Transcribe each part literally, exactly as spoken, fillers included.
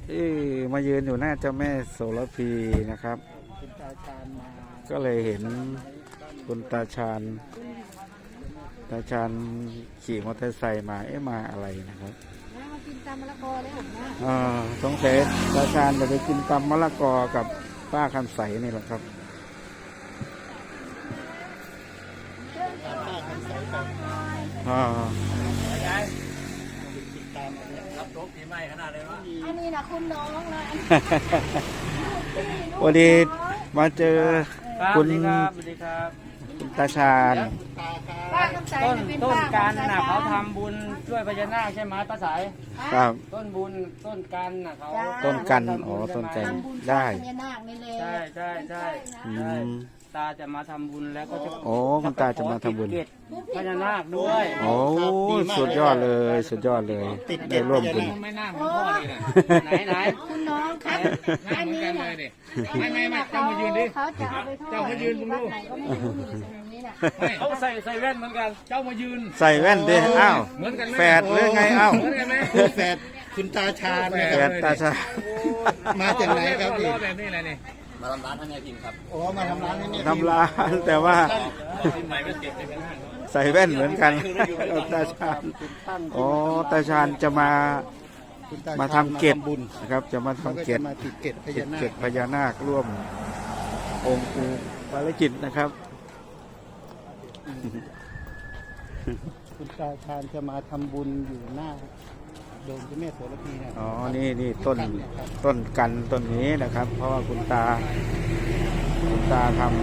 เอ๊ะมายืนอยู่หน้าเจ้าแม่โสระพีนะครับคุณตาชาญมาก็เลยเห็นคุณตาชาญตาชาญขี่มอเตอร์ไซค์มาเอ๊ะมาอะไรนะครับมากินตำมะละกอเลยผมนะอ่าสงสัยตาชาญจะไปกินตำมะละกอกับป้าคำใสนี่แหละครับอ่ารับรถปีใหม่ขนาดเลยวะอันนี้นะคุณน้องนะวันนี้มาเจอครับคุสณวัสดีครับสวัสดีครับคุณตาชาญป้าคำใสต้นเป็นต้นป้ากันคำใสน่ะเขาทำบุญช่วยพญานาคใช่ไหมป้าสายครับต้นบุญต้นกันน่ะเขาต้นกันทำอ๋บุอญต้นใช่กันไหมทำบุญได้พญานาคนี่เลยใช่ใช่ใช่อืใช่มตาจะมาทำบุญแล้วก็จะโอ้คุณตาจะมาทำบุญเกตพญานาคด้วยโอ้สุดยอดเลยสุดยอดเลยได้ร่วมบุญไม่น่าเหมือนพ่อเลยนะไหนไหนคุณน้องครับอันนี้นะไม่ไม่ไม่เขาเจ้ามายืนดิเขาจะเอาไปทอดเจ้ามายืนมึงดูวัดไหนก็ไม่รู้นี่ตรงนี้น่ะเขาใส่ใส่แว่นเหมือนกัน เจ้ามายืนใส่แว่นดิอ้าวเหมือนกันไหมแฝดหรือไงอ้าวเหมือนกันไหมคุณแฝดคุณตาชาญนะแฝครับดตาชาญมาจากไหนครับพี่ล้อแบบนี้แหละนี่มาทำร้านให้เนี่ยพิมครับโอ้มาทำร้านให้เนี่ยทำร้านแต่ว่าใหม่ไม่เก็บเลยนะใส่แว่นเหมือนกันตาชาญอ๋อตาชาญจะมาคุณตชญมาทำเกตบุญนะครับ จะมาเขาทำก็เกจะตมาติดเกตพเกญาตนาเกคตพญานาคร่วมองค์ปู่ภารกิจนะครับคุณตาชาญจะมาทำบุญอยู่หน้าโดมเจ้าแม่โสระพีนะอ๋อนี่นี่ต้นต้นกันต้นนี้นะครับ เพราะว่าคุณตาคุณตาทำ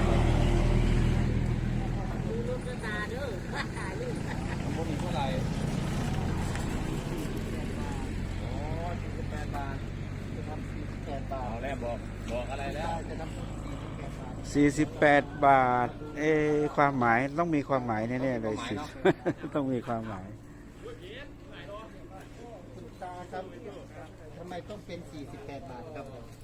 พวกนี้เท่าไหร่โอ้สี่สิบแปดบาทจะทำสี่สิบแปดบาเอาทแล้วบอกบอกอะไรแล้วจะทำสี่สิบแปดบาท เอะความหมายต้องมีความหมายแน่ๆเลยสิ ต้องมีความหมายคุณตาครับทำไมต้องเป็นสี่สิบแปดบาทครับ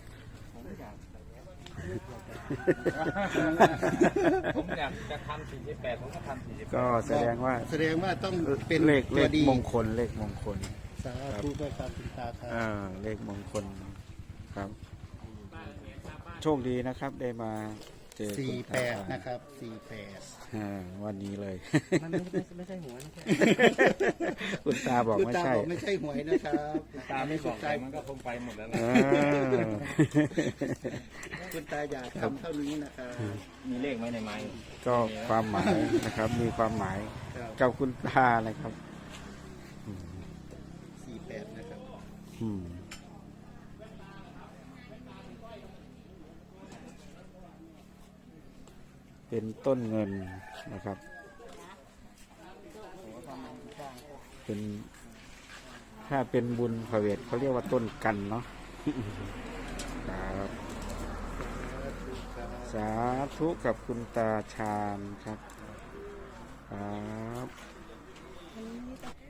ผมอยากจะทำสี่สิบแปดผมก็ทำสี่สิบก็แสดงว่าแสดงว่าต้องเป็นเลขเลตัวขดีมงคลเลขมงคลสาธุด้วยครับคุณตาครับอ่าเลขมงคลครับ โชคดีนะครับได้มาเจอสี่คุณแปตาดนะครับสี่แปดอ่าวันนี้เลยมันไม่ใช่ไม่ใช่หัวนะคุณตาบอกคุณไม่ตาใช่บอกไม่ใช่หวยนะครับตาไม่บอกใจมันก็คงไปหมดแล้วนะอ่าคุณตาอยากทำเท่านี้นะครับมีเลขไหมในไม้ก็ความหมายนะครับ มีความหมายครับกับคุณตานะครับสี่แปดนะครับอืมเป็นต้นเงินนะครับ เป็นถ้าเป็นบุญพระเวทเขาเรียกว่าต้นกันเนาะ ครับสาธุกับคุณตาชาญครับครับ